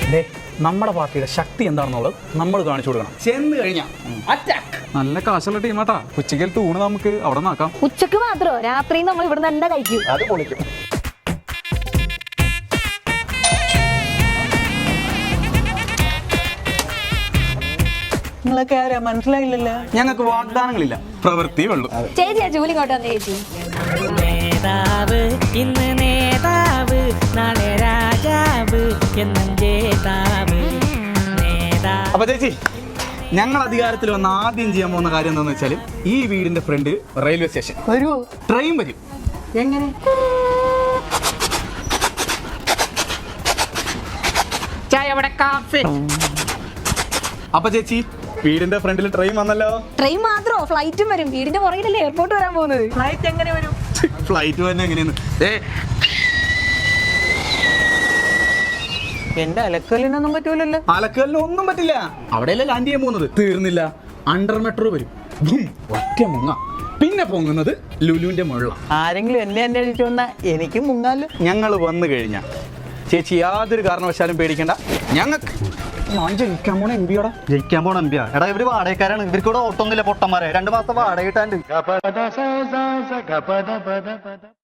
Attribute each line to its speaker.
Speaker 1: നമ്മുടെ പാർട്ടിയുടെ ശക്തി എന്താണെന്നുള്ളത് നമ്മൾ കാണിച്ചു കൊടുക്കണം. ചെന്ന് കഴിഞ്ഞാൽ അറ്റാക്ക്.
Speaker 2: നല്ല കാശുള്ള ടീമാട്ടാ. ഉച്ചയ്ക്കൽ തൂണ് നമുക്ക് അവിടെ നോക്കാം.
Speaker 3: ഉച്ചക്ക് മാത്രോ? രാത്രി നമ്മൾ ഇവിടെ തന്നെ കഴിക്കും.
Speaker 1: അത് പൊളിക്കും.
Speaker 4: നിങ്ങളൊക്കെ ആരാ മനസ്സിലായില്ലല്ലോ.
Speaker 1: ഞങ്ങൾക്ക് വാഗ്ദാനങ്ങളില്ല, പ്രവൃത്തി ഉള്ളൂ.
Speaker 3: ചേച്ചി ആ ജോലി ഇങ്ങോട്ട് വന്നേ ചേച്ചി.
Speaker 5: നേതാവ് ഇന്ന് നേതാവ്, നാളെ രാജാവ് എന്നും ജേതാവ്.
Speaker 1: അപ്പൊ ചേച്ചി, ഞങ്ങൾ അധികാരത്തിൽ വന്ന് ആദ്യം ചെയ്യാൻ പോകുന്ന കാര്യം എന്താണെന്ന് വെച്ചാൽ ഈ വീടിന്റെ ഫ്രണ്ട് റെയിൽവേ സ്റ്റേഷൻ
Speaker 4: വരുമോ?
Speaker 1: ട്രെയിൻ വരും.
Speaker 4: എങ്ങനെ?
Speaker 1: അപ്പൊ ചേച്ചി, വീടിന്റെ ഫ്രണ്ടിൽ ട്രെയിൻ വന്നല്ലോ.
Speaker 3: ട്രെയിൻ മാത്രോ? ഫ്ലൈറ്റും വരും. വീടിന്റെ പുറകിലല്ലേ എയർപോർട്ട് വരാൻ പോകുന്നത്.
Speaker 4: ഫ്ലൈറ്റ് എങ്ങനെ വരും?
Speaker 1: ഫ്ലൈറ്റ് തന്നെ എങ്ങനെയെന്ന്
Speaker 4: എന്റെ അലക്കലിനൊന്നും പറ്റൂലല്ലോ.
Speaker 1: പാലക്കാലിന് ഒന്നും പറ്റില്ല. അവിടെയല്ലേ ലാൻഡ് ചെയ്യാൻ പോകുന്നത്. തീർന്നില്ല, അണ്ടർ മെട്രോ വരും. ഒറ്റ മുങ്ങ. പിന്നെ പൊങ്ങുന്നത് ലുലുവിന്റെ മുള്ള.
Speaker 4: ആരെങ്കിലും എന്നെ അന്വേഷിച്ചു വന്നാ എനിക്ക് മുങ്ങാലോ.
Speaker 1: ഞങ്ങൾ വന്നു കഴിഞ്ഞാൽ ചേച്ചി യാതൊരു കാരണവശാലും പേടിക്കണ്ട. ഞങ്ങൾക്ക് ഞാൻ ജയിക്കാൻ പോണ എം പിയോടാ.
Speaker 6: ജയിക്കാൻ പോണ എംപിയാ? എടാ ഇവര് വാടകക്കാരാണ്. ഇവർക്കൂടെ ഓട്ടൊന്നുമില്ല പൊട്ടന്മാരെ. 2 മാസം വാടക കിട്ടാണ്ട്.